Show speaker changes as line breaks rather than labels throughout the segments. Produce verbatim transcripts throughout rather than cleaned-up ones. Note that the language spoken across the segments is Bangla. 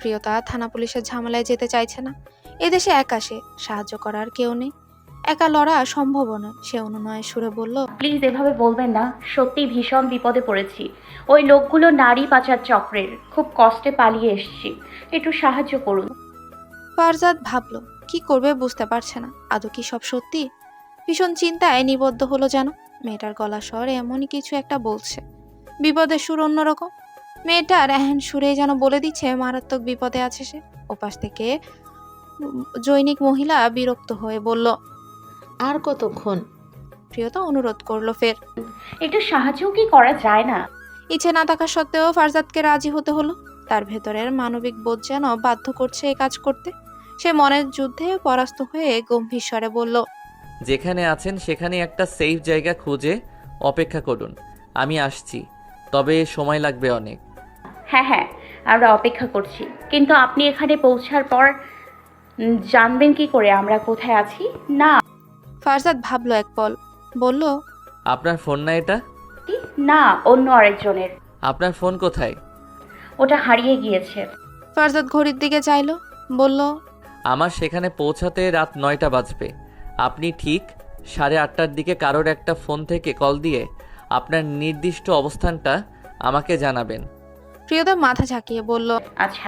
প্রিয়তা থানা পুলিশের ঝামেলায় যেতে চাইছে না। এদেশে একা সে, সাহায্য করার কেউ নেই, একা লড়া সম্ভব নয়। সে অনুনয়ের সুরে বলল,
প্লিজ এভাবে বলবেন না, সত্যি ভীষণ বিপদে পড়েছি। ওই লোকগুলো নারী পাচার চক্রের, খুব কষ্টে পালিয়ে এসেছি, একটু সাহায্য করুন।
ফারজাদ ভাবল কি করবে বুঝতে পারছে না। আদৌ কি সব সত্যি? ভীষণ চিন্তায় নিবদ্ধ হলো যেন। মেয়েটার গলা স্বর এমনই কিছু একটা বলছে, বিপদের সুর অন্যরকম। মেয়েটার এহেন সুরে যেন বলে দিচ্ছে মারাত্মক বিপদে আছে সে। ওপাশ থেকে উম, জৈনিক মহিলা বিরক্ত হয়ে বলল,
আর কতক্ষণ?
প্রিয়তা অনুরোধ করলো ফের।
একটু সাহায্যও কি করা যায় না?
ইচ্ছে না থাকা সত্ত্বেও ফারজাদকে রাজি হতে হলো। তার ভেতরের মানবিক বোধ যেন বাধ্য করছে এ কাজ করতে। সে মনের যুদ্ধে পরাস্ত হয়ে গম্ভীর স্বরে বলল,
যেখানে আছেন সেখানে একটা সেফ জায়গা খুঁজে অপেক্ষা করুন, আমি আসছি, তবে সময় লাগবে অনেক।
হ্যাঁ হ্যাঁ, আমরা অপেক্ষা করছি, কিন্তু আপনি এখানে পৌঁছার পর উম, জানবেন কি করে আমরা কোথায় আছি? না।
ফারজাদ ভাবলো এক পল, বলল,
আপনার ফোন না এটা?
কি? না, অন্য আরেকজনের।
আপনার ফোন কোথায়?
ওটা হারিয়ে গিয়েছে।
ফারজাদ ঘড়ির দিকে চাইলো, বলল,
আমার সেখানে পৌঁছাতে রাত নয়টা বাজবে। আপনি ঠিক সাড়ে আটটার দিকে কারোর একটা ফোন থেকে কল দিয়ে আপনার নির্দিষ্ট অবস্থানটা আমাকে জানাবেন।
প্রিয়তা মাথা ঝাঁকিয়ে বলল,
আচ্ছা।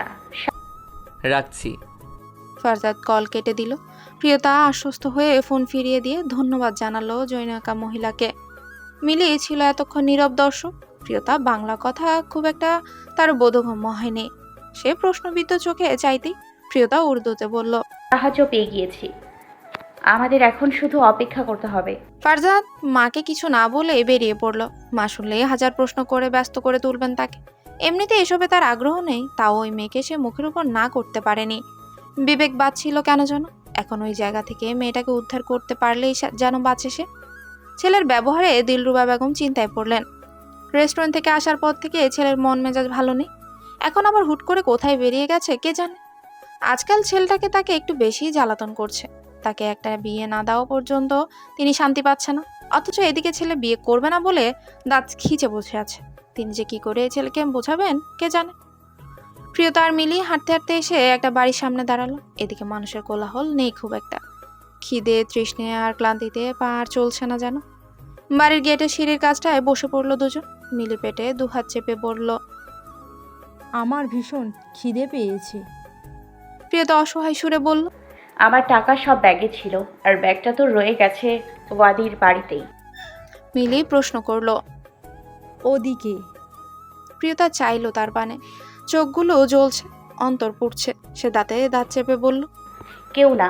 রাখছি।
ফারজাদ কল কেটে দিল। প্রিয়তা আশ্বস্ত হয়ে ফোন ফিরিয়ে দিয়ে ধন্যবাদ জানালো জৈনকা মহিলাকে। মিলি ছিল এতক্ষণ নীরব দর্শক। প্রিয়তা বাংলা কথা খুব একটা তার বোধগম্য হয়নি। সে প্রশ্নবিদ্ধ চোখে চাইতেই প্রিয়তা উর্দুতে বলল,
সাহায্য পেয়ে গিয়েছি, আমাদের এখন শুধু অপেক্ষা করতে হবে।
ফারজাদ মাকে কিছু না বলে বেরিয়ে পড়ল। মা শুনলেই হাজার প্রশ্ন করে ব্যস্ত করে তুলবেন তাকে। এমনিতে এসবে তার আগ্রহ নেই, তাও ওই মেয়েকে সে মুখের উপর না করতে পারেনি। বিবেক বাঁচছিল কেন যেন। এখন ওই জায়গা থেকে মেয়েটাকে উদ্ধার করতে পারলেই সা- যেন বাঁচে সে। ছেলের ব্যবহারে দিলরুবা বেগম চিন্তায় পড়লেন। রেস্টুরেন্ট থেকে আসার পর থেকে ছেলের মন মেজাজ ভালো নেই। এখন আবার হুট করে কোথায় বেরিয়ে গেছে কে জানে। আজকাল ছেলেটাকে তাকে একটু বেশিই জ্বালাতন করছে। তাকে একটা বিয়ে না দেওয়া পর্যন্ত তিনি শান্তি পাচ্ছে না। অথচ এদিকে ছেলে বিয়ে করবে না বলে দাঁত খিচে বসে আছে। তিনি যে কি করে এই ছেলেকে বোঝাবেন কে জানে। প্রিয়তা আর মিলি হাঁটতে হাঁটতে এসে একটা বাড়ির সামনে দাঁড়ালো। এদিকে মানুষের কোলাহল নেই খুব একটা। খিদে তৃষ্ণে আর ক্লান্তিতে পা আর চলছে না যেন। বাড়ির গেটের সিঁড়ির কাছটায় বসে পড়লো দুজন। মিলি পেটে দুহাত চেপে পড়ল।
আমার ভীষণ খিদে পেয়েছে।
প্রিয়তা অসহায় সুরে বলল,
আমার টাকা সব ব্যাগে ছিল, আর ব্যাগটা তো রয়ে গেছে ওয়াদির বাড়িতেই।
মিলি প্রশ্ন করলো।
ওদিকে।
প্রিয়তা চাইলো তার পানে। চোখগুলো জ্বলছে, অন্তর পুড়ছে। সে দাঁতে দাঁত চেপে বলল,
কেউ না।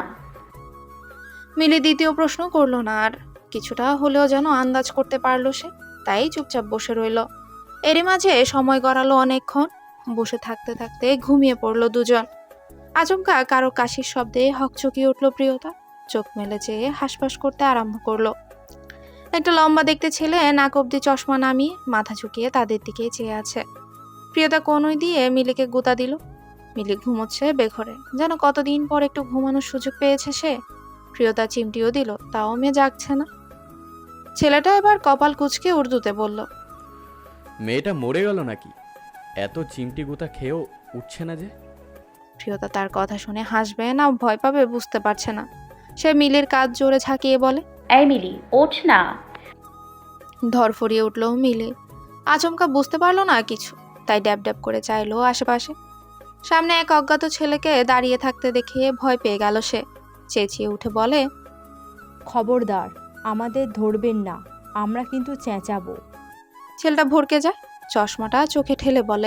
মিলি দ্বিতীয় প্রশ্ন করলো না আর। কিছুটা হলেও যেন আন্দাজ করতে পারলো সে, তাই চুপচাপ বসে রইল। এরই মাঝে সময় গড়ালো অনেকক্ষণ। বসে থাকতে থাকতে ঘুমিয়ে পড়লো দুজন। আচমকা কারো কাশির শব্দে হকচকিয়ে উঠল প্রিয়তা। চোখ মেলে চেয়ে হাসপাস করতে আরম্ভ করলো। একটা লম্বা দেখতে ছেলে নাক অব্দি চশমা নামিয়ে মাথা ঝুঁকিয়ে তাদের দিকে চেয়ে আছে। প্রিয়তা কনুই দিয়ে মিলিকে গুতা দিল। মিলি ঘুমোচ্ছে বেঘরে, যেন কতদিন পর একটু ঘুমানোর সুযোগ পেয়েছে সে। প্রিয়তা চিমটিও দিল, তাও মেয়ে জাগছে না। ছেলেটা এবার কপাল কুঁচকে উর্দুতে বলল,
মেয়েটা মরে গেল নাকি? এত চিমটি গুতা খেয়েও উঠছে না যে।
প্রিয়তা তার কথা শুনে হাসবে না ভয় পাবে বুঝতে পারছে না। সে মিলির কাজ জোরে ঝাঁকিয়ে বলে,
এই মিলি, ওঠ না।
ধরফরিয়ে উঠল মিলি। আচমকা বুঝতে পারলো না কিছু, তাই ড্যাব ড্যাব করে চাইলো আশেপাশে। সামনে এক অজ্ঞাত ছেলেকে দাঁড়িয়ে থাকতে দেখে ভয় পেয়ে গেল সে। চেঁচিয়ে উঠে বলে,
খবরদার, আমাদের ধরবেন না, আমরা কিন্তু চেঁচাবো।
ছেলেটা ভরকে যায়, চশমাটা চোখে ঠেলে বলে,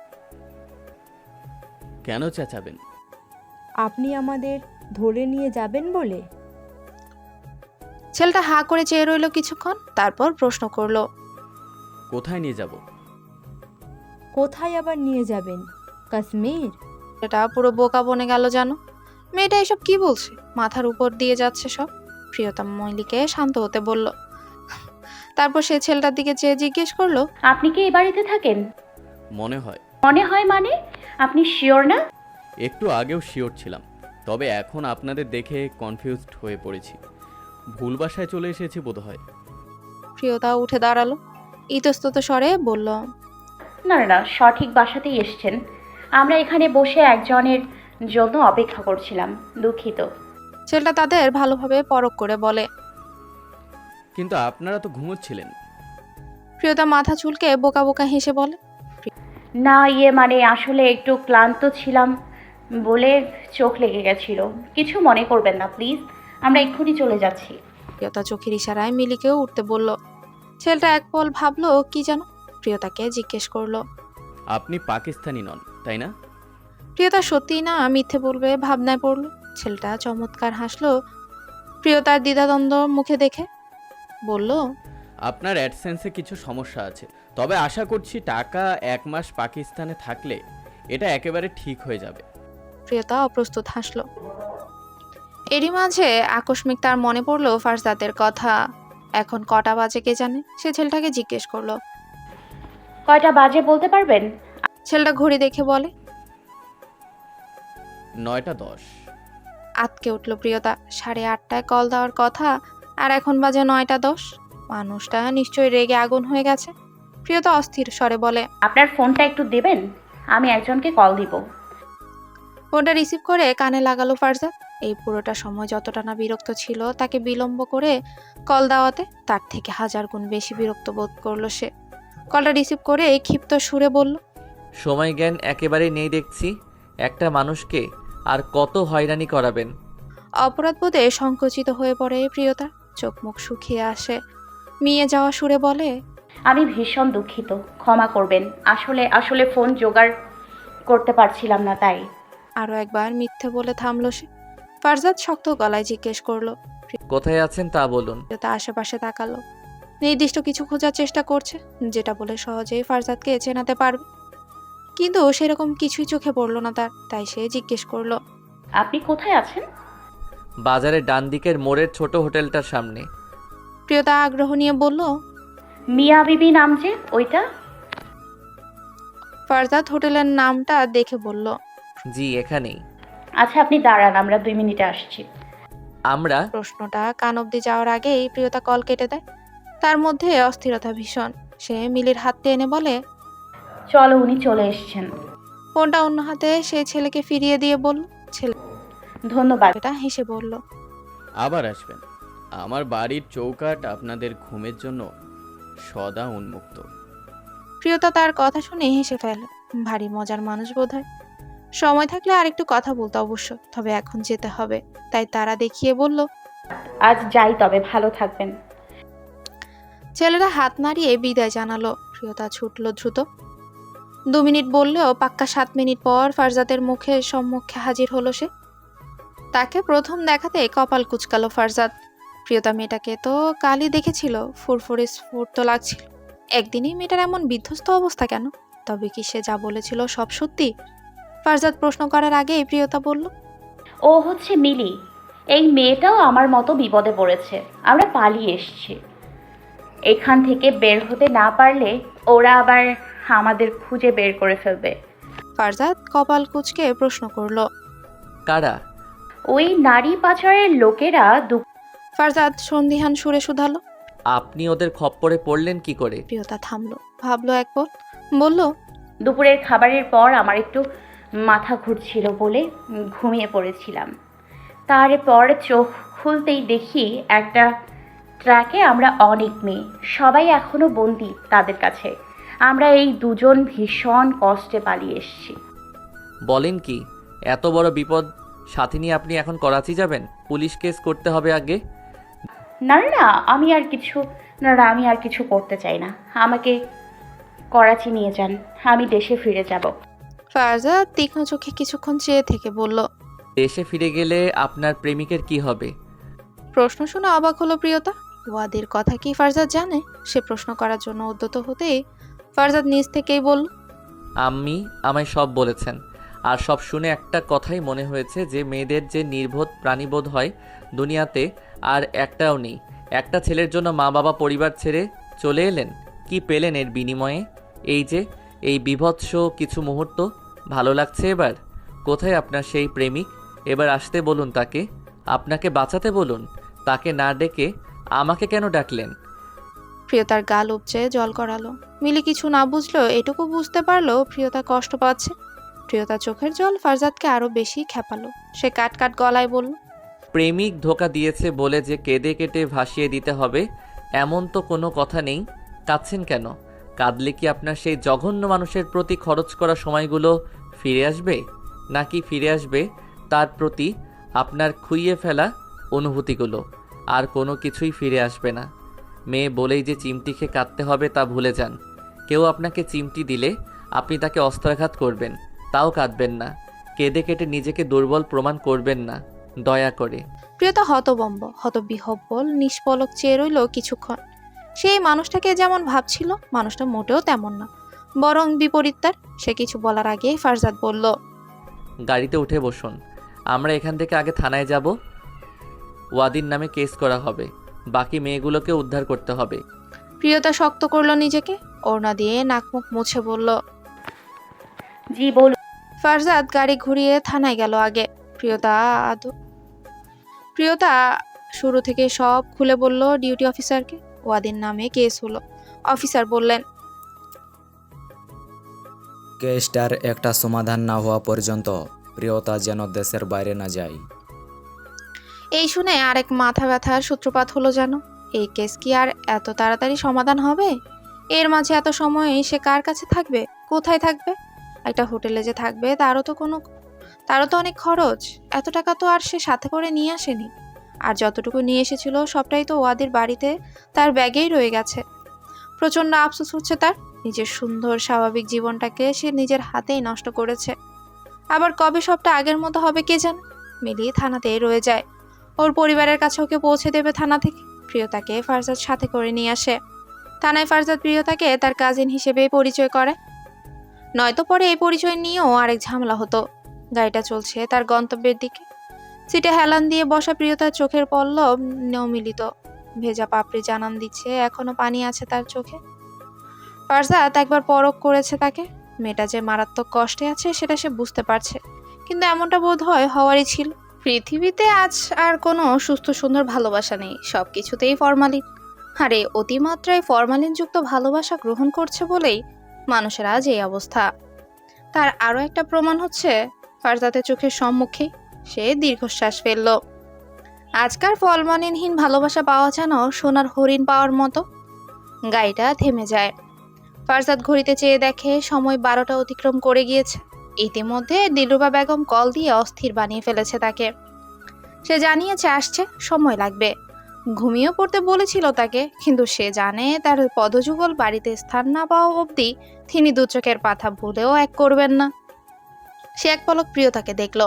কেন চেঁচাবেন?
আপনি আমাদের ধরে নিয়ে যাবেন বলে।
ছেলেটা হা করে চেয়ে রইল কিছুক্ষণ, তারপর প্রশ্ন করলো,
কোথায় নিয়ে যাব?
কোথায় আবার নিয়ে যাবেন? কাশ্মীর?
এটা পুরো বোকা বনে গেল জানো। মেয়েটা এসব কি বলছে, মাথার উপর দিয়ে যাচ্ছে সব। প্রিয়তম মহিলিকে শান্ত হতে বলল। তারপর সে ছেলেটার দিকে চেয়ে জিজ্ঞেস করলো,
আপনি কি এই বাড়িতে থাকেন?
মনে হয়।
মনে হয় মানে? আপনি শিওর না?
একটু আগেও শিওর ছিলাম, তবে এখন আপনাদের দেখে কনফিউজড হয়ে পড়েছি। ভুল বাসায় চলে এসেছি বোধহয়।
প্রিয়তা উঠে দাঁড়ালো, ইতস্তত স্বরে বলল,
না না না, সঠিক বাসাতেই এসেছেন। আমরা এখানে বসে একজনের জন্য অপেক্ষা করছিলাম। দুঃখিত।
ছেলেটা তাদের ভালোভাবে পরখ করে বলে।
কিন্তু আপনারা তো ঘুমোচ্ছিলেন।
প্রিয়তা মাথা চুলকে বোকা বোকা হেসে বলে।
না ইয়ে মানে আসলে একটু ক্লান্ত ছিলাম বলে চোখ লেগে গেছিল। কিছু মনে করবেন না প্লিজ, আমরা এক্ষুনি চলে যাচ্ছি।
প্রিয়তা চোখের ইশারায় মিলিকেও উঠতে বলল। ছেলেটা এক পল ভাবলো কি যেন, প্রিয়তাকে জিজ্ঞেস করলো।
আপনি পাকিস্তানি নন তাই না?
প্রিয়তা সত্যিই না মিথ্যে বলবে ভাবনায় পড়লো। ছেলেটা চমৎকার হাসলো প্রিয়তার দ্বিধাদ্বন্দ্ব মুখে দেখে, বলল।
আপনার অ্যাডসেন্সে কিছু সমস্যা আছে, তবে আশা করছি টাকা এক মাস পাকিস্তানে থাকলে এটা একেবারে ঠিক হয়ে যাবে।
প্রিয়তা অপ্রস্তুত হাসলো। এরই মাঝে আকস্মিক তার মনে পড়লো ফারজাদের কথা। এখন কটা বাজে কে জানে, সে ছেলেটাকে জিজ্ঞেস করলো।
কয়টা বাজে বলতে পারবেন?
ছেলেটা ঘড়ি দেখে বলে।
নয়টা দশ।
আতকে উঠল প্রিয়তা। সাড়ে আটটায় কল দেওয়ার কথা আর এখন বাজে নয়টা দশ। মানুষটা নিশ্চয়ই রেগে আগুন হয়ে গেছে। প্রিয়তা অস্থির স্বরে বলে।
আপনার ফোনটা একটু দেবেন, আমি একজনকে কল দিব।
ফোনটা রিসিভ করে কানে লাগালো ফারজাদ। এই পুরোটা সময় যতটা না বিরক্ত ছিল তাকে বিলম্ব করে কল দেওয়াতে, তার থেকে হাজার গুণ বেশি বিরক্ত বোধ করলো সে। কলটা রিসিভ করে ক্ষিপ্ত সুরে বলল।
সময় জ্ঞান একেবারেই নেই দেখছি। একটা মানুষকে আর কত হয়রানি করাবেন।
অপরাধবোধে সংকুচিত হয়ে পড়ে প্রিয়তা, চোখ মুখ শুকিয়ে আসে। মিয়ে যাওয়া সুরে বলে।
আমি ভীষণ দুঃখিত, ক্ষমা করবেন। আসলে আসলে ফোন জোগাড় করতে পারছিলাম না তাই।
আরও একবার মিথ্যে বলে থামলো সে। ফারজাদ শক্ত গলায় জিজ্ঞেস করলো।
কোথায় আছেন তা বলুন।
প্রিয়তা আশেপাশে তাকালো। নির্দিষ্ট কিছু খোঁজার চেষ্টা করছে, যেটা বলে সহজেই ফারজাদকে চেনাতে পারবে, কিন্তু সেরকম কিছুই চোখে পড়লো না তার। তাই সে জিজ্ঞেস করলো।
আপনি কোথায় আছেন?
বাজারের ডান দিকের মোড়ের ছোট হোটেলটার সামনে।
প্রিয়তা আগ্রহ নিয়ে বলল।
মিয়া বিবি নাম যে ওইটা?
ফারজাদ হোটেলের নামটা দেখে বলল।
জি এখানেই।
আচ্ছা আপনি দাঁড়ান, আমরা দুই মিনিটে আসছি।
আমরা
প্রশ্নটা কান অব্দি যাওয়ার আগেই প্রিয়তা কল কেটে দেয়। তার মধ্যে অস্থিরতা ভীষণ। সে মিলির হাত টেনে বলে।
চলো, উনি চলে এসেছেন।
ফোনটা অন্য হাতে সেই ছেলেকে ফিরিয়ে দিয়ে বলল।
ধন্যবাদ।
ছেলেটা হেসে বলল।
আবার আসবেন। আমার বাড়ির চৌকাঠ আপনাদের ঘুমের জন্য সদা উন্মুক্ত।
প্রিয়তা তার কথা শুনে হেসে ফেলে। ভারী মজার মানুষ বোধহয়। সময় থাকলে আরেকটু কথা বলতে অবশ্য, তবে এখন যেতে হবে। তাই তারা দেখিয়ে বলল।
আজ যাই তবে, ভালো থাকবেন।
ছেলেরা হাত নাড়িয়ে বিদায় জানালো। প্রিয়তা ছুটল দ্রুত। দু মিনিট বললেও পাক্কা সাত মিনিট পর ফারজাদের মুখে সম্মুখে হাজির হলো সে। তাকে প্রথম দেখাতে কপাল কুচকালো ফারজাদ। প্রিয়তা মেয়েটাকে তো কালই দেখেছিল, ফুরফুরে স্ফূর্ত লাগছিল। একদিনই মেয়েটার এমন বিধ্বস্ত অবস্থা কেন? তবে কি সে যা বলেছিল সব সত্যি? ফারজাদ প্রশ্ন করার আগেই প্রিয়তা বলল।
ও হচ্ছে মিলি। এই মেয়েটাও আমার মতো বিপদে পড়েছে। আমরা পালিয়ে এসেছি। এখান থেকে বের হতে না পারলে ওরা আবার আমাদের খুঁজে বের করে ফেলবে।
ফারজাদ কপাল কুচকে প্রশ্ন করলো।
কারা?
ওই নারী পাচারের লোকেরা দু
ফারজাদ সন্দিহান সুরে শুধালো।
আপনি ওদের খপ্পরে পড়লেন কি করে?
প্রিয়তা থামলো, ভাবলো এক পল, বলল।
দুপুরের খাবারের পর আমার একটু মাথা ঘুরছিল বলে ঘুমিয়ে পড়েছিলাম। তারপর চোখ খুলতেই দেখি একটা ট্রাকে আমরা অনেক মেয়ে, সবাই এখনো বন্দি তাদের কাছে। আমরা এই দুজন ভীষণ কষ্টে পালিয়ে এসেছি।
বলেন কি? এত বড় বিপদ সাথে নিয়ে আপনি এখন করাচি যাবেন? পুলিশ কেস করতে হবে আগে।
না না না, আমি আর কিছু না না আমি আর কিছু করতে চাই না। আমাকে করাচি নিয়ে যান, আমি দেশে ফিরে যাব।
ফারজাদ তীক্ষ্ণ চোখে কিছুক্ষণ চেয়ে থেকে বলল।
দেশে ফিরে গেলে আপনার প্রেমিকের কি হবে?
প্রশ্ন শুনে অবাক হলো প্রিয়তা। ওয়াদের কথা কি ফারজাদ জানে? সে প্রশ্ন করার জন্য উদ্যত হতেই ফারজাদ নিজ থেকেই বলল।
আম্মি আমায় সব বলেছেন, আর সব শুনে একটা কথাই মনে হয়েছে যে মেয়েদের যে নির্বোধ প্রাণীবোধ হয় দুনিয়াতে আর একটাও নেই। একটা ছেলের জন্য মা বাবা পরিবার ছেড়ে চলে এলেন, কি পেলেন এর বিনিময়ে? এই যে এই বিভৎস কিছু মুহূর্ত। ভালো লাগছে এবার? কোথায় আপনার সেই প্রেমিক? এবার আসতে বলুন তাকে, আপনাকে বাঁচাতে বলুন। তাকে না ডেকে আমাকে কেন ডাকলেন?
প্রিয়তার গাল উপচে জল করালো। মিলি কিছু না বুঝলো, এটুকু বুঝতে পারলো প্রিয়তা কষ্ট পাচ্ছে। প্রিয়তার চোখের জল ফারজাদকে আরো বেশি খেপালো। সে কাট কাট গলায় বলল,
প্রেমিক ধোকা দিয়েছে বলে যে কেঁদে কেটে ভাসিয়ে দিতে হবে এমন তো কোনো কথা নেই। কাঁদছেন কেন? কাঁদলে কি আপনার সেই জঘন্য মানুষের প্রতি খরচ করা সময়গুলো ফিরে আসবে, নাকি ফিরে আসবে তার প্রতি আপনার খুইয়ে ফেলা অনুভূতিগুলো? আর কোনো কিছুই ফিরে আসবে না। মেয়ে বলেই যে চিমটি খেয়ে কাঁদতে হবে তা ভুলে যান। কেউ আপনাকে চিমটি দিলে আপনি তাকে অস্ত্রাঘাত করবেন, তাও কাঁদবেন না। কেঁদে কেটে নিজেকে দুর্বল প্রমাণ করবেন না, দয়া করে।
প্রিয়তা হতবম্ব, হতবিহব্বল, নিষ্পলক চেয়ে রইল কিছুক্ষণ। সেই মানুষটাকে যেমন ভাবছিল, মানুষটা মোটেও তেমন না, বরং বিপরীত তার। সে কিছু বলার আগে ফারজাদ বলল,
গাড়িতে উঠে বসুন, আমরা এখান থেকে আগে থানায় যাব। ওয়াদির নামে কেস করা হবে, বাকি মেয়েগুলোকে উদ্ধার করতে হবে।
প্রিয়তা শক্ত করলো নিজেকে, ওড়না দিয়ে নাকমুখ মুছে বলল,
জি বলুন।
ফারজাদ গাড়ি ঘুরিয়ে থানায় গেল আগে। প্রিয়তা আদৌ প্রিয়তা শুরু থেকে সব খুলে বলল ডিউটি অফিসারকে। ওয়াদির নামে কেস হলো। অফিসার বললেন,
কেসটার একটা সমাধান না হওয়া পর্যন্ত প্রিয়তা যেন দেশের বাইরে না যায়।
এই শুনে আরেক মাথা ব্যথার সূত্রপাত হলো যেন। এই কেস কি আর এত তাড়াতাড়ি সমাধান হবে? এর মাঝে এত সময় সে কার কাছে থাকবে, কোথায় থাকবে? একটা হোটেলে যে থাকবে তারও তো কোনো তারও তো অনেক খরচ। এত টাকা তো আর সে সাথে করে নিয়ে আসেনি। আর যতটুকু নিয়ে এসেছিল সবটাই তো ওয়াদির বাড়িতে তার ব্যাগেই রয়ে গেছে। প্রচণ্ড আফসোস হচ্ছে তার। নিজের সুন্দর স্বাভাবিক জীবনটাকে সে নিজের হাতেই নষ্ট করেছে। আবার কবে সবটা আগের মতো হবে কে জানে। মিলিয়ে থানাতেই রয়ে যায়। ওর পরিবারের কাছে ওকে পৌঁছে দেবে থানা থেকে। প্রিয়তাকে ফারজাদ সাথে করে নিয়ে আসে। থানায় ফারজাদ প্রিয়তাকে তার কাজিন হিসেবে পরিচয় করে। নয়তো পরে এই পরিচয় নিয়েও আরেক ঝামেলা হতো। গাড়িটা চলছে তার গন্তব্যের দিকে। সিটে হেলান দিয়ে বসা প্রিয়তার চোখের পল্লব নমিলিত। ভেজা পাপড়ি জানান দিচ্ছে এখনো পানি আছে তার চোখে। ফারজাদ একবার পরখ করেছে তাকে। মেয়েটা যে মারাত্মক কষ্টে আছে সেটা সে বুঝতে পারছে, কিন্তু এমনটা বোধ হয় হওয়ারই ছিল। পৃথিবীতে আজ আর কোনো সুস্থ সুন্দর ভালোবাসা নেই, সব কিছুতেই ফরমালিন। আরে অতিমাত্রায় ফরমালিনযুক্ত ভালোবাসা গ্রহণ করছে বলেই মানুষের আজ এই অবস্থা। তার আরও একটা প্রমাণ হচ্ছে ফারজাদের চোখের সম্মুখে। সে দীর্ঘশ্বাস ফেলল। আজকার ফরমালিনহীন ভালোবাসা পাওয়া যেন সোনার হরিণ পাওয়ার মতো। গাড়িটা থেমে যায়। ফারজাদ ঘড়িতে চেয়ে দেখে সময় বারোটা অতিক্রম করে গিয়েছে। ইতিমধ্যে দিলরুবা বেগম কল দিয়ে অস্থির বানিয়ে ফেলেছে তাকে। সে জানিয়েছে আসছে, সময় লাগবে। ঘুমিয়ে পড়তে বলেছিল তাকে, কিন্তু সে জানে তার পদযুগল বাড়িতে স্থান না পাওয়া অবধি তিনি দু চোখের পাতা ভুলেও এক করবেন না। সে এক পলক প্রিয়তাকে দেখল।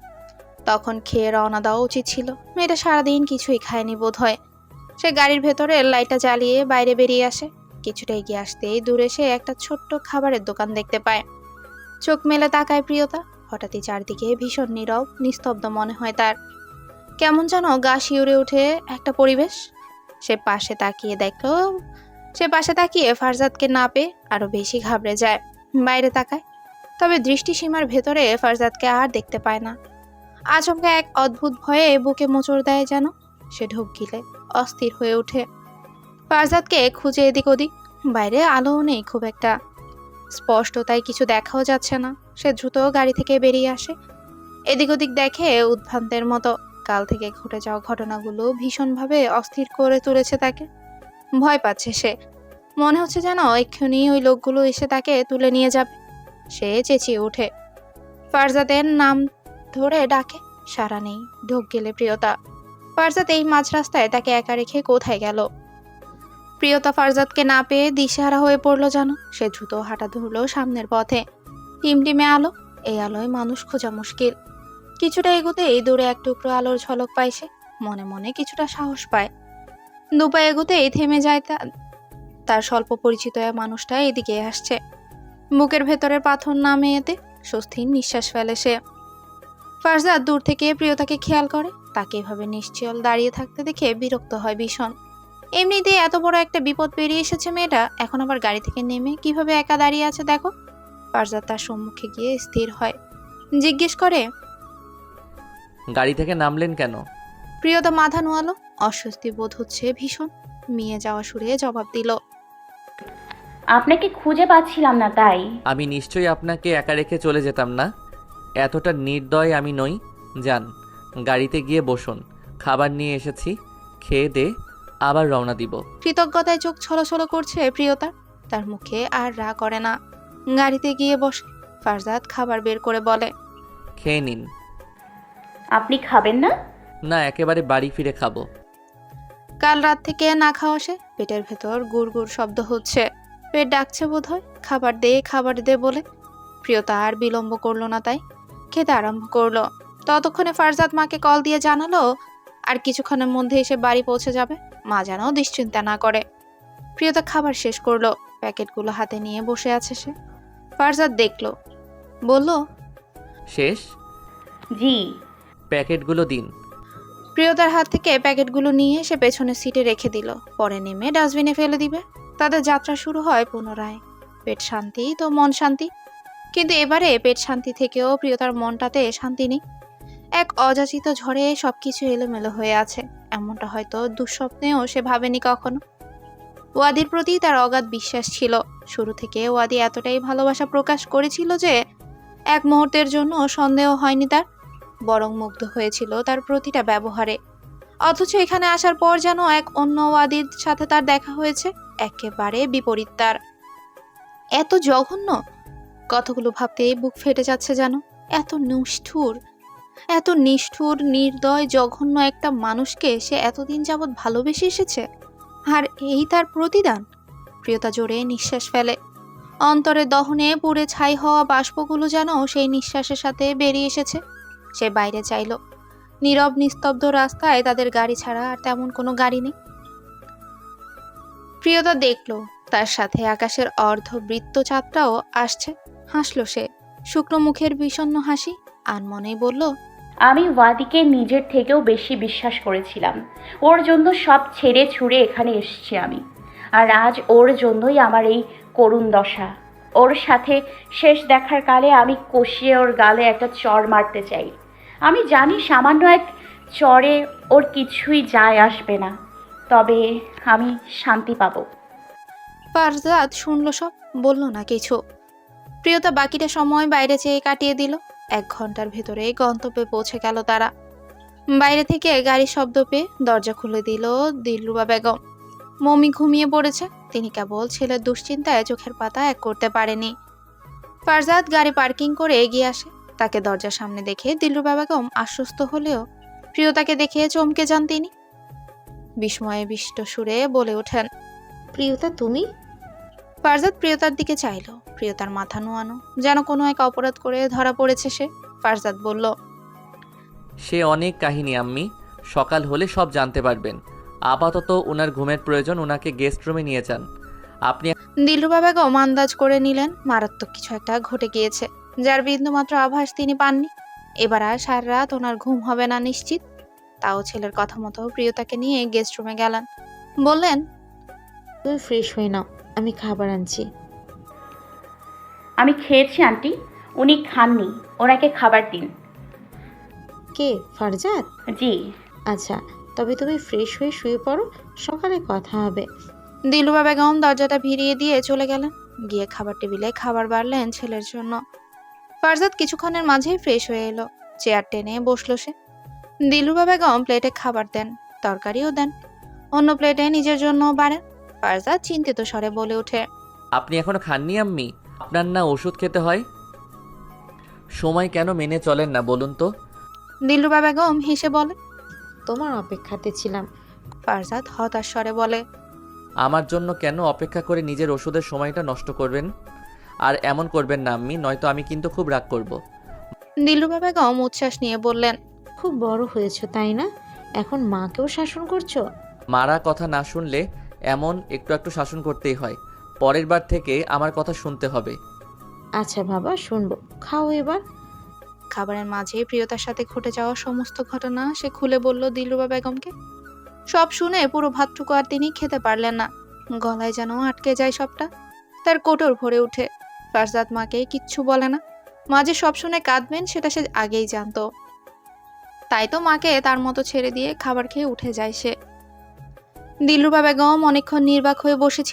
তখন খেয়ে রওনা দেওয়া উচিত ছিল। মেয়েটা সারাদিন কিছুই খায়নি বোধ হয়। সে গাড়ির ভেতরে লাইটটা জ্বালিয়ে বাইরে বেরিয়ে আসে। কিছুটা এগিয়ে আসতেই দূরে সে একটা ছোট্ট খাবারের দোকান দেখতে পায়। চোখ মেলে তাকায় প্রিয়তা। হঠাৎই চারদিকে ভীষণ নীরব, নিস্তব্ধ মনে হয় তার। কেমন যেন গা শিউরে ওঠে একটা পরিবেশ। সে পাশে তাকিয়ে দেখলো সে পাশে তাকিয়ে ফারজাদকে না পেয়ে আরো বেশি ঘাবড়ে যায়। বাইরে তাকায়, তবে দৃষ্টিসীমার ভেতরে ফারজাদকে আর দেখতে পায় না। আচমকা এক অদ্ভুত ভয়ে বুকে মোচড় দেয় যেন। সে ঢোক গিলে অস্থির হয়ে ওঠে। ফারজাদকে খুঁজে এদিক ওদিক। বাইরে আলোও নেই খুব একটা স্পষ্ট, তাই কিছু দেখাও যাচ্ছে না। সে দ্রুত গাড়ি থেকে বেরিয়ে আসে। এদিক ওদিক দেখে উদ্ভ্রান্তের মতো। কাল থেকে ঘটে যাওয়া ঘটনাগুলো ভীষণভাবে অস্থির করে তুলেছে তাকে। ভয় পাচ্ছে সে। মনে হচ্ছে যেন এক্ষুনি ওই লোকগুলো এসে তাকে তুলে নিয়ে যাবে। সে চেঁচিয়ে ওঠে। ফারজাদের নাম ধরে ডাকে, সাড়া নেই। ঢোক গেলে প্রিয়তা। ফারজাদ এই মাঝ রাস্তায় তাকে একা রেখে কোথায় গেল? প্রিয়তা ফারজাদকে না পেয়ে দিশেহারা হয়ে পড়লো যেন। সে দ্রুত হাঁটা ধরলো সামনের পথে। টিমটিমে আলো, এই আলোয় মানুষ খোঁজা মুশকিল। কিছুটা এগোতে এই দূরে এক টুকরো আলোর ঝলক পায় সে। মনে মনে কিছুটা সাহস পায়। দুপা এগোতেই থেমে যায় তা তার স্বল্প পরিচিত মানুষটা এদিকে আসছে। বুকের ভেতরের পাথর নামে এতে স্বস্তির নিঃশ্বাস ফেলে সে। ফারজাদ দূর থেকে প্রিয়তাকে খেয়াল করে। তাকে এভাবে নিশ্চল দাঁড়িয়ে থাকতে দেখে বিরক্ত হয় ভীষণ। এমনিতেই এত বড় একটা বিপদ পেরিয়ে এসেছে মেয়েটা, এখন আবার গাড়ি থেকে নেমে কিভাবে একা দাঁড়িয়ে আছে দেখো। ফারজাদ তার সম্মুখে গিয়ে স্থির হয়। জিজ্ঞেস করে,
গাড়ি থেকে নামলেন কেন?
প্রিয়তা মাথা নোয়ালো। অস্বস্তি বোধ হচ্ছে ভীষণ। মিয়ে যাওয়া সুরে জবাব দিল,
আপনাকে খুঁজে পাচ্ছিলাম না তাই।
আমি নিশ্চয়ই আপনাকে একা রেখে চলে যেতাম না। এতটা নির্দয় আমি নই। যান, গাড়িতে গিয়ে বসুন। খাবার নিয়ে এসেছি, খেয়ে দে আবার রওনা দিব।
কৃতজ্ঞতায় চোখ ছলছল করছে প্রিয়তার। তার মুখে আর রা করে না। গাড়িতে গিয়ে বসে ফারজাদ খাবার বের করে বলে,
খেয়ে নিন।
আপনি খাবেন না?
না, একেবারে বাড়ি ফিরে খাবো।
কাল রাত থেকে না খাওয়া সে, পেটের ভেতর গুড় গুড় শব্দ হচ্ছে। পেট ডাকছে বোধহয়, খাবার দে খাবার দে বলে। প্রিয়তা আর বিলম্ব করলো না, তাই খেতে আরম্ভ করলো। ততক্ষণে ফারজাদ মাকে কল দিয়ে জানালো আর কিছুক্ষণের মধ্যে এসে বাড়ি পৌঁছে যাবে। মা যেন দুশ্চিন্তা না করে। প্রিয়তা খাবার শেষ করলো, প্যাকেটগুলো হাতে নিয়ে বসে আছে সে। ফারজাদ দেখলো, বলল,
শেষ?
জি।
প্যাকেটগুলো দিন।
প্রিয়তার হাত থেকে প্যাকেটগুলো নিয়ে সে পেছনের সিটে রেখে দিল। পরে নেমে ডাস্টবিনে ফেলে দিবে। তাদের যাত্রা শুরু হয় পুনরায়। পেট শান্তি তো মন শান্তি। কিন্তু এবারে পেট শান্তি থেকেও প্রিয়তার মনটাতে শান্তি নেই। এক অযাচিত ঝড়ে সবকিছু এলোমেলো হয়ে আছে। এমনটা হয়তো দুঃস্বপ্নেও সে ভাবেনি কখনো। ওয়াদির প্রতি তার অগাধ বিশ্বাস ছিল। শুরু থেকে ওয়াদি এতটাই ভালোবাসা প্রকাশ করেছিল যে এক মুহূর্তের জন্য সন্দেহ হয়নি তার, বরং মুগ্ধ হয়েছিল তার প্রতিটা ব্যবহারে। অথচ এখানে আসার পর যেন এক অন্য ওয়াদির সাথে তার দেখা হয়েছে, একেবারে বিপরীত তার। এত জঘন্য, কতগুলো ভাবতেই বুক ফেটে যাচ্ছে যেন। এত নিষ্ঠুর, এত নিষ্ঠুর, নির্দয়, জঘন্য একটা মানুষকে সে এতদিন যাবৎ ভালোবেসে এসেছে, আর এই তার প্রতিদান। প্রিয়তা জোরে নিঃশ্বাস ফেলে। অন্তরে দহনে পুড়ে ছাই হওয়া বাষ্পগুলো যেন সেই নিঃশ্বাসের সাথে বেরিয়ে এসেছে। সে বাইরে চাইল। নীরব নিস্তব্ধ রাস্তায় তাদের গাড়ি ছাড়া আর তেমন কোনো গাড়ি নেই। প্রিয়তা দেখল তার সাথে আকাশের অর্ধবৃত্ত চাঁদটাও আসছে। হাসল সে, শুকনো মুখের বিষণ্ণ হাসি। আনমনেই বলল,
আমি ওয়াদিকে নিজের থেকেও বেশি বিশ্বাস করেছিলাম। ওর জন্য সব ছেড়ে ছুড়ে এখানে এসেছি আমি। আর আজ ওর জন্যই আমার এই করুণ দশা। ওর সাথে শেষ দেখার কালে আমি কষিয়ে ওর গালে একটা চড় মারতে চাই। আমি জানি সামান্য এক চড়ে ওর কিছুই যায় আসবে না, তবে আমি শান্তি পাবো।
ফারজাদ শুনল সব, বলল না কিছু। প্রিয়তা বাকিটা সময় বাইরে চেয়ে কাটিয়ে দিল। এক ঘন্টার ভেতরে গন্তব্যে পৌঁছে গেল তারা। বাইরে থেকে গাড়ির শব্দ পেয়ে দরজা খুলে দিল দিলরুবা বেগম। মমি ঘুমিয়ে পড়েছে। তিনি কেবল ছেলের দুশ্চিন্তায় চোখের পাতা এক করতে পারেনি। ফারজাদ গাড়ি পার্কিং করে এগিয়ে আসে। তাকে দরজার সামনে দেখে দিলরুবা বেগম আশ্বস্ত হলেও প্রিয়তাকে দেখে চমকে যান তিনি। বিস্ময়ে বিষ্ট সুরে বলে ওঠেন,
প্রিয়তা তুমি?
ফারজাদ প্রিয়তার দিকে চাইল। প্রিয়তার মাথা নোয়ানো, যেন কোনো এক অপরাধ করে ধরা পড়েছে সে। ফারজাদ বলল,
সে অনেক কাহিনী আম্মি, সকাল হলে সব জানতে পারবেন। আপাতত ওনার ঘুমের প্রয়োজন, ওনাকে গেস্ট রুমে নিয়ে যান। আপনি
দিলরুবা বেগম আন্দাজ করে নিলেন মারাত্মক কিছু একটা ঘটে গিয়েছে, যার বিন্দুমাত্র আভাস তিনি পাননি। এবার আর সারা রাত ওনার ঘুম হবে না নিশ্চিত। তাও ছেলের কথা মতো প্রিয়তাকে নিয়ে গেস্ট রুমে গেলেন। বললেন,
তুমি ফ্রেশ হয়ে নাও, আমি খাবার আনছি।
আমি খেয়েছি আন্টি, উনি খাননি, ওনাকে খাবার দিন।
কে, ফারজাদ?
জি।
আচ্ছা, তবে তুমি ফ্রেশ হয়ে শুয়ে পড়ো, সকালে কথা হবে।
দিলরুবা বেগম দরজাটা ভিড়িয়ে দিয়ে চলে গেলেন। গিয়ে খাবার টেবিলে খাবার বাড়লেন ছেলের জন্য। ফারজাদ কিছুক্ষণের মাঝেই ফ্রেশ হয়ে এলো। চেয়ার টেনে বসলো সে। দিলরুবা বেগম প্লেটে খাবার দেন, তরকারিও দেন। অন্য প্লেটে নিজের জন্য বাড়েন। ফারজাদ চিন্তিত স্বরে বলে ওঠে,
আপনি এখনো খাননি আম্মি? আপনার না ওষুধ খেতে হয়? সময় কেন মেনে চলেন না বলুন তো?
দিলরুবা বেগম হেসে বলে।
তোমার অপেক্ষাতে ছিলাম।
ফারজাদ হতাশ স্বরে বলে,
আমার জন্য কেন অপেক্ষা করে নিজের ওষুধের সময়টা নষ্ট করবেন? আর এমন করবেন না আম্মি, নয়তো আমি কিন্তু খুব রাগ করব।
দিলরুবা বেগম উচ্ছ্বাস নিয়ে বললেন,
খুব বড় হয়েছো তাই না? এখন মাকেও শাসন করছো?
মারা কথা না শুনলে এমন একটু একটু শাসন করতেই হয়। পরের বার থেকে আমার কথা শুনতে হবে।
আচ্ছা বাবা, শুনবো, খাও এবার।
খাবারের মাঝে প্রিয়তার সাথে ঘটে যাওয়া সমস্ত ঘটনা সে খুলে বলল দিলরুবা বেগমকে। সব শুনে পুরো ভাতটুকু আর তিনি খেতে পারলেন না। গলায় যেন আটকে যায় সবটা। তার কোটর ভরে উঠে। ফারজাদ মাকে কিচ্ছু বলে না। মা যে সব শুনে কাঁদবেন সেটা সে আগেই জানতো। তাই তো মাকে তার মতো ছেড়ে দিয়ে খাবার খেয়ে উঠে যায় সে। দিলরুবা বেগম অনেকক্ষণ নির্বাক হয়ে বসেছিলেন।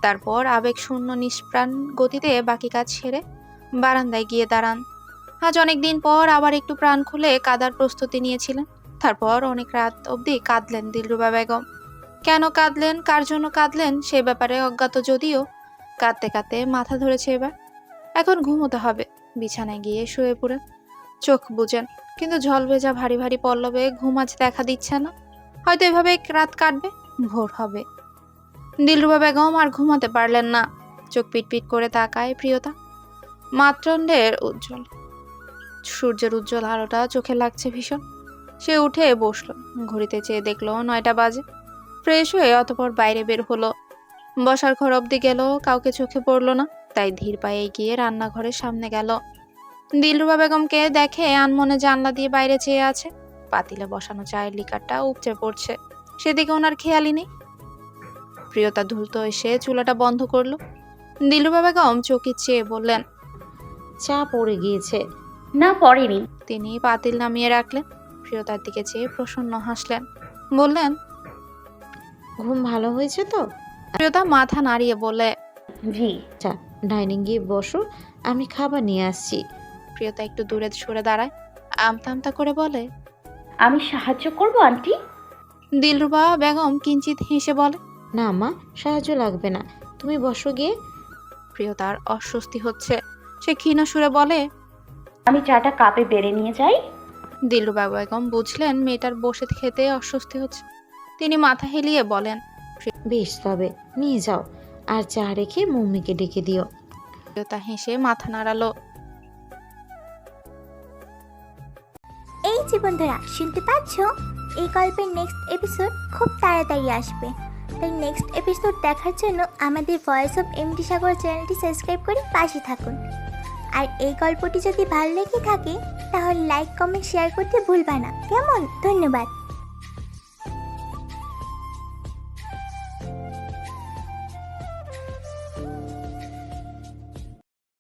তারপর আবেগশূন্য নিষ্প্রাণ গতিতে বাকি কাজ সেরে বারান্দায় গিয়ে দাঁড়ান। আজ অনেক দিন পর আবার একটু প্রাণ খুলে কাদার প্রস্তুতি নিয়েছিলেন। তারপর অনেক রাত অবধি কাঁদলেন দিলরুবা বেগম। কেন কাঁদলেন, কার জন্য কাঁদলেন সে ব্যাপারে অজ্ঞাত, যদিও কাঁদতে কাঁদতে মাথা ধরেছে এবার। এখন ঘুমোতে হবে, বিছানায় গিয়ে শুয়ে পড়েন। চোখ বুজেন, কিন্তু ঝলভেজা ভারী ভারী পল্লবে ঘুম আজ দেখা দিচ্ছে না। হয়তো এভাবে রাত কাটবে, ভোর হবে। দিলরুবা বেগম আর ঘুমাতে পারলেন না। চোখ পিটপিট করে তাকায় প্রিয়তা। মাতৃণ্ডের উজ্জ্বল সূর্যের উজ্জ্বল আলোটা চোখে লাগছে ভীষণ। সে উঠে বসলো, ঘড়িতে চেয়ে দেখলো নয়টা বাজে। ফ্রেশ হয়ে অতপর বাইরে বের হলো। বসার ঘর অব্দি গেল, কাউকে চোখে পড়লো না, তাই ধীর পায়ে গিয়ে রান্নাঘরের সামনে গেল। দিলরুবা বেগমকে দেখে আনমনে জানলা দিয়ে বাইরে চেয়ে আছে। পাতিলে বসানো চায়ের লিকারটা উপচে পড়ছে, সেদিকে ওনার খেয়ালই নেই। প্রিয়তা দ্রুত এসে চুলাটা বন্ধ করলো। দিলরুবা বেগম চকিত চেয়ে বললেন,
চা পড়ে গিয়েছে।
না, পড়েনি।
তিনি পাতিল নামিয়ে রাখলেন। প্রিয়তার দিকে চেয়ে প্রসন্ন হাসলেন, বললেন,
ঘুম ভালো হয়েছে তো?
প্রিয়তা মাথা নাড়িয়ে বলে,
জি।
আচ্ছা, ডাইনিং গিয়ে বসো, আমি খাবার নিয়ে আসছি।
প্রিয়তা একটু দূরে সরে দাঁড়ায়, আমতা আমতা করে বলে,
আমি সাহায্য করব আন্টি।
দিলরুবা বেগম কিঞ্চিত হেসে বলে,
না মা, সাহায্য লাগবে না, তুমি বসো গিয়ে।
প্রিয়তার অস্বস্তি হচ্ছে। সে ক্ষীণ সুরে বলে,
আমি চাটা কাপে বেড়ে নিয়ে যাই।
দিলরুবা বেগম বুঝলেন মেয়েটার বসে খেতে অস্বস্তি হচ্ছে। তিনি মাথা হেলিয়ে বলেন,
বেশ, তবে নিয়ে যাও, আর চা রেখে মম্মিকে ডেকে দিও।
প্রিয়তা হেসে মাথা নাড়ালো।
এই যে বন্ধুরা, শুনতে পাচ্ছ? এই গল্পের নেক্সট এপিসোড খুব তাড়াতাড়ি আসবে, তাই নেক্সট এপিসোড দেখার জন্য আমাদের ভয়েস অফ এমডি সাগর চ্যানেলটি সাবস্ক্রাইব করে পাশে থাকুন। আর এই গল্পটি যদি ভালো লেগে থাকে তাহলে লাইক, কমেন্ট, শেয়ার করতে ভুলবা না, কেমন? ধন্যবাদ।